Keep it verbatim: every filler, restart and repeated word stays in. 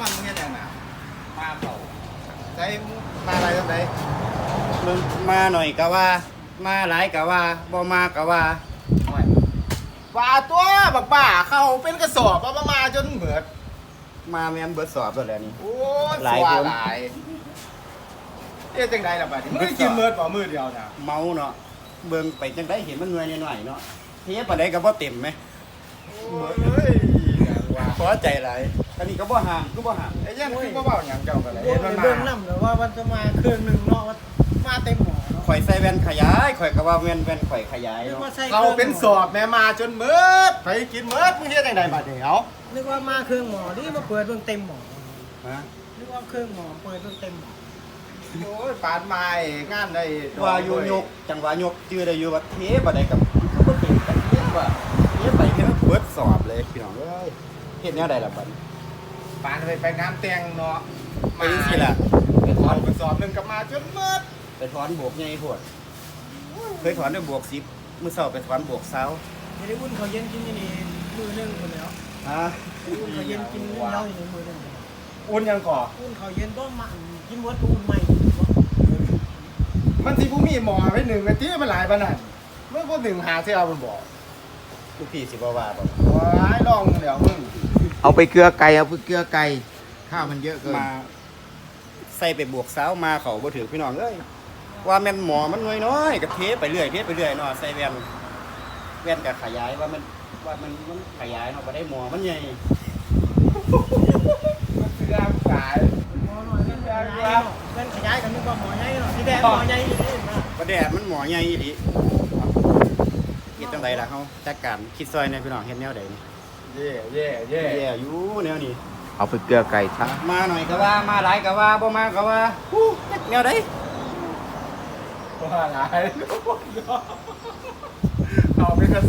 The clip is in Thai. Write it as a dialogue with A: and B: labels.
A: มันมึงเนี่ยน่ะ
B: มาเขา
A: ใช้มาอะไรตั้งไหน
C: มึงมาหน่อยก็ว่า มาหลายก็ว่าบ่มาก็ว่า
A: ว่าตัวบักบ้าเข้าเป็นกระสอบเอามามาจนเหมือด
C: มาแม่นเบิดสอบแล้วแหละนี่
A: โอ้ย
C: หลาย
A: สัว
C: คน
A: หลายเอ๊ะจังไดล่ะบัดนี้มึงได้กินเมือดเปล่ามือเดียวน่ะ
C: เมาเนาะเบิ่งไปจังได้เห็นมันหน่วยหน่อยๆเนาะเทียบปานใดก็บ่เต็มไหม
A: โอ้ยว่า
C: พอใจหลายอันนี้ก็บ่ห่างก็บ่ห่าง
A: ไอ้ยันคือบ่เว้าหยังเจ้ากันเลย
D: โอ้
A: เห็
D: ย
A: นมัน
D: เบิ่ง
A: มา
D: น้ำเลยว่ามันจะมาเครื่องหนึ่งเนาะว่ามาเต็มหมอเนาะ
C: ข่อยใส่แว่นขยายข่อยก็ว่าแว่นแว่นข่อยขยาย
D: นึก
C: เนาะ
D: ว่าใส่
A: เขาเป็นสอบแม่มาจนเหมือดไปกินเหมือดมึงเฮ็ดจังไดบัดนี้เอา
D: นึกว่ามาเครื่องหมอนี่มาเปิดเบิ่งเต็มหมอ
C: ฮะ
D: นึกว่าเครื่องหมอเปิดเบิ่งเต็มหมอ
A: โอ้ยปานไม้งานได้
C: ว่าอยู่ยกจังหวะยกชื่อได้อยู่ว่าเทปานใดกับก็บ่เต็มกันเทียบว่าเทียบไปแค่เบิดสอบเลยพี่น้องเอ้ยเฮ็ดแนวใดล่ะบัดนี้
A: ปานไปไปงานแต่งเนาะ
C: ไปจังซี่ล่ะ
A: ไปถอนกระสอบหนึงกลับมาจนเหมือด
C: ไปถอนบวกใหญ่โพดเคยถอนด้วยบวกสิบมื้อเช้าไปถอนบวกเช้า
D: ไม่ได้อุ่นเขาเย็นกินอย่างนี้มือหนึงคนแล้ว
C: ฮะ
D: อุ่นเขาเย็นกินเยอะอย่างนี้มือหนึง
A: อุ่นยังก่อ
D: อุ่นเขาเย็นก็มากินวัดอุ่นใหม่
A: มันสิผู้มีหมอไว้หนึ่งนาทีมันหลายปานนั้นเมื่อพวกหนึ่งหาเสียเอามันบอก
C: ลูกพี่สิบ่ว่าบ่
A: ว้ายลองเดี๋ยวมึงเอาไปเกลือไก่เอาไปเกลือไก่ข้าวมันเยอะเกิน
C: มาใส่ไปบวกเช้ามาเขาบ่ถือพี่น้องเอ้ยว่าแม่นหมอมันน้อยน้อยๆก็เทไปเรื่อยเทไปเรื่อยเนาะใส่แว่นแว่นก็ขยายว่ามันว่ามันมันขยายเนาะบ่ได้หมอมันใหญ่
A: มันเกลือขาย
D: หมอหน่อยเล่นขยายเนาะเล่นขยายกันนึกว่าหมอใหญ่เนาะที่แดงหมอใหญ่อยู่นี่นะ
C: บ่แดดมันหมอใหญ่อีหลีเฮ็ดจังไดล่ะเฮาจัดการคิดซอยในพี่น้องเฮ็ดแนวใดนี่
A: เย่เย่เย่
C: แย่อยู่แนวนี้
A: เอาไปเกลือไก่ช้า
C: มาหน่อยก็ว่ามาหลายก็ว่าบ่มาก็ว่าฮู้จักแนวใด
A: ว่าหลายเอาไปกระ